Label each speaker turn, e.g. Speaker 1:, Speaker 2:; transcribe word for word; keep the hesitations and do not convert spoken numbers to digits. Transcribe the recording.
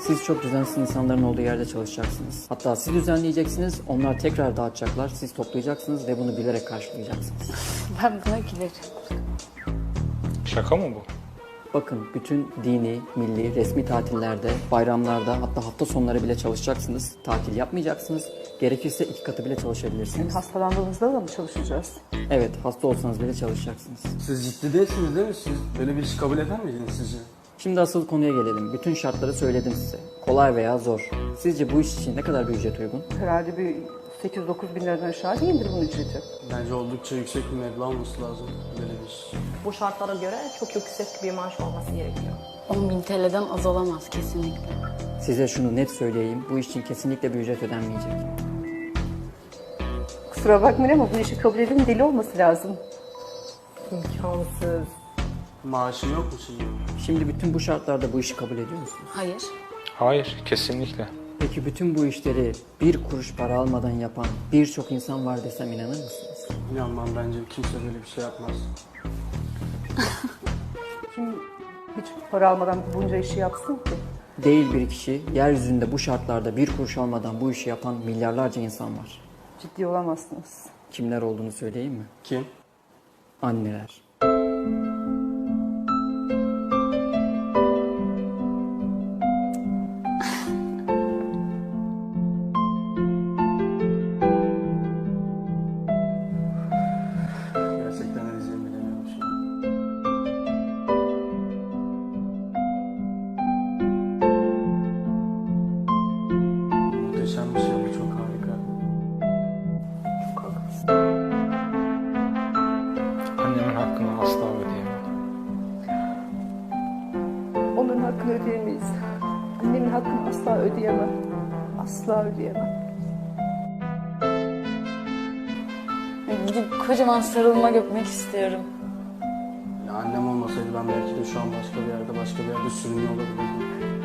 Speaker 1: Siz çok düzensiz insanların olduğu yerde çalışacaksınız. Hatta siz düzenleyeceksiniz, onlar tekrar dağıtacaklar, siz toplayacaksınız ve bunu bilerek karşılayacaksınız.
Speaker 2: Ben buna gülerim.
Speaker 3: Şaka mı bu?
Speaker 1: Bakın bütün dini, milli, resmi tatillerde, bayramlarda hatta hafta sonları bile çalışacaksınız. Tatil yapmayacaksınız. Gerekirse iki katı bile çalışabilirsiniz.
Speaker 4: Hastalandığımızda da mı çalışacağız?
Speaker 1: Evet, hasta olsanız bile çalışacaksınız.
Speaker 5: Siz ciddi değilsiniz değil mi? Siz böyle bir işi kabul eder miydiniz sizce?
Speaker 1: Şimdi asıl konuya gelelim. Bütün şartları söyledim size. Kolay veya zor. Sizce bu iş için ne kadar bir ücret uygun?
Speaker 4: Herhalde bir sekiz dokuz bin liradan aşağı değildir bunun ücreti.
Speaker 5: Bence oldukça yüksek bir meblağ olması lazım böyle bir iş.
Speaker 6: Bu şartlara göre çok yüksek bir maaş olması gerekiyor.
Speaker 2: on bin T L'den az olamaz kesinlikle.
Speaker 1: Size şunu net söyleyeyim. Bu iş için kesinlikle bir ücret ödenmeyecek.
Speaker 4: Kusura bakmayın ama bu işi kabul edenin deli olması lazım.
Speaker 6: İmkansız.
Speaker 5: Maaşın yok mu şimdi?
Speaker 1: Şimdi bütün bu şartlarda bu işi kabul ediyor musunuz?
Speaker 2: Hayır.
Speaker 3: Hayır, kesinlikle.
Speaker 1: Peki bütün bu işleri bir kuruş para almadan yapan birçok insan var desem inanır mısınız?
Speaker 5: İnanmam, bence kimse böyle bir şey yapmaz.
Speaker 4: Kim hiç para almadan bunca işi yapsın ki?
Speaker 1: Değil bir kişi, yeryüzünde bu şartlarda bir kuruş almadan bu işi yapan milyarlarca insan var.
Speaker 4: Ciddi olamazsınız.
Speaker 1: Kimler olduğunu söyleyeyim mi?
Speaker 5: Kim?
Speaker 1: Anneler.
Speaker 5: Gerçekten ne diyeceğimi bilemiyorum şu an. Muhteşem bir şey bu, çok harika.
Speaker 3: Annemin hakkını asla ödeyemem.
Speaker 4: Onların hakkını ödeyemeyiz. Annemin hakkını asla ödeyemem. Asla ödeyemem.
Speaker 2: Gidip kocaman sarılmak öpmek istiyorum.
Speaker 5: Ya annem olmasaydı ben belki de şu an başka bir yerde, başka bir yerde sürünüyor olabilirdim.